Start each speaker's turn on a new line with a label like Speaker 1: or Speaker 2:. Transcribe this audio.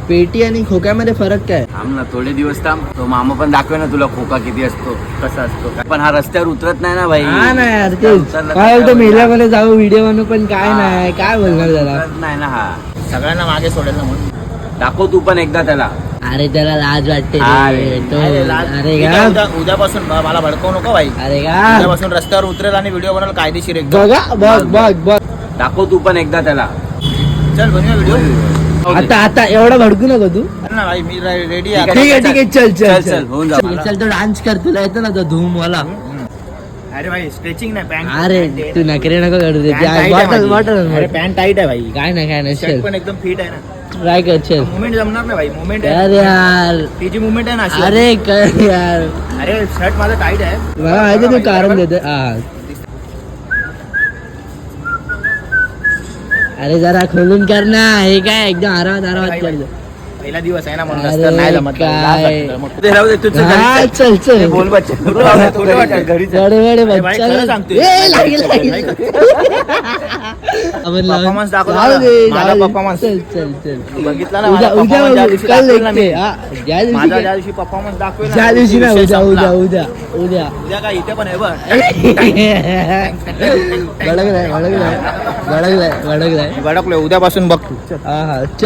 Speaker 1: पेटी आणि खोक्यामध्ये फरक काय?
Speaker 2: थांब ना थोडे दिवस थांब, तो मामा पण दाखवे ना तुला खोका किती असतो, कसा असतो. पण हा रस्त्यावर उतरत नाही ना भाई.
Speaker 1: हा ना यार तेच काय बोलतो, मेल्यामध्ये जाऊ व्हिडिओ बनवू पण काय नाही, काय बोलणार त्याला.
Speaker 2: उतरत नाही ना हा.
Speaker 3: सगळ्यांना मागे सोडेल ना म्हणून.
Speaker 2: दाखव तू पण एकदा त्याला.
Speaker 1: अरे त्याला लाज वाटते
Speaker 2: अरे,
Speaker 1: रे. तो अरे
Speaker 3: ठीक
Speaker 1: का
Speaker 3: आहे, उद्यापासून मला भडकवू नको भाई.
Speaker 1: अरे का
Speaker 3: उद्यापासून रस्त्यावर उतरेल आणि व्हिडिओ बनवल कायदेशीर एकदम.
Speaker 1: बघा बघ बघ बघ
Speaker 2: दाखव तू पण एकदा त्याला.
Speaker 3: चल बनवूया व्हिडिओ.
Speaker 1: आता एवढा भडकू नको तू.
Speaker 3: ना भाई मी रेडी
Speaker 2: ठीक
Speaker 1: ठीक आहे ठीक आहे चल
Speaker 2: चल,
Speaker 1: चल
Speaker 2: चल,
Speaker 1: चल
Speaker 2: होऊन जा.
Speaker 1: चल तो डान्स कर, तुला येतो ना तो धूम वाला.
Speaker 3: अरे भाई स्ट्रेचिंग नाही पॅन्ट.
Speaker 1: अरे तू नखरे नको करू दे.
Speaker 3: अरे
Speaker 1: बॉटल
Speaker 3: पॅन्ट टाईट आहे भाई.
Speaker 1: काय नाही
Speaker 3: शर्ट
Speaker 1: चल
Speaker 3: पण एकदम फिट आहे ना.
Speaker 1: ट्राय कर चल.
Speaker 3: मुवमेंट जमणार नाही भाई. मुवमेंट
Speaker 1: अरे यार
Speaker 3: तिची मुवमेंट आहे ना अशी.
Speaker 1: अरे कर यार,
Speaker 3: अरे शर्ट माझं टाईट आहे.
Speaker 1: मला माहिती तू कारण देतो. अरे जरा खोलून कर ना, हे काय एकदम आरामात कर.
Speaker 3: पहिला दिवस आहे ना म्हणून
Speaker 1: अरे
Speaker 3: रस्त्यावर नाही जमत.
Speaker 1: काय.
Speaker 3: लाज वाटतं मग.
Speaker 2: ते राहू दे, तुझं
Speaker 1: हा,
Speaker 2: घरी
Speaker 1: चल चल
Speaker 2: बोल बच्चा.
Speaker 3: थोडं वाटेल.
Speaker 2: घरी चल.
Speaker 1: बडे बडे
Speaker 3: अरे भाई,
Speaker 1: बच्चा
Speaker 3: खरं सांगतोय.
Speaker 1: ए, लागेल लागेल. आपण लावून-
Speaker 3: Performance दाखव
Speaker 1: जाऊ
Speaker 3: जरा.
Speaker 1: दे,
Speaker 3: माझा
Speaker 1: जाऊ दे.
Speaker 3: performance.
Speaker 1: चल चल चल
Speaker 3: बघितला ना
Speaker 1: उद्या
Speaker 3: माझा
Speaker 1: उद्या
Speaker 3: performance ज्या दिवशी
Speaker 1: कल
Speaker 3: दाखवेल ना
Speaker 1: देखते.
Speaker 3: मी.
Speaker 1: हा, ज्या दिवशी
Speaker 3: माझा
Speaker 1: काय-
Speaker 3: ज्या दिवशी परफॉर्मन्स दाखवेल ना,
Speaker 1: ज्या दिवशी ना
Speaker 3: विषय
Speaker 1: उद्या
Speaker 3: संपला.
Speaker 1: उद्या उद्या उद्या
Speaker 3: उद्या काय इथे पण आहे बघ.
Speaker 1: भडकलाय
Speaker 3: मी भडकलोय. उद्यापासून बघ.
Speaker 1: हा हा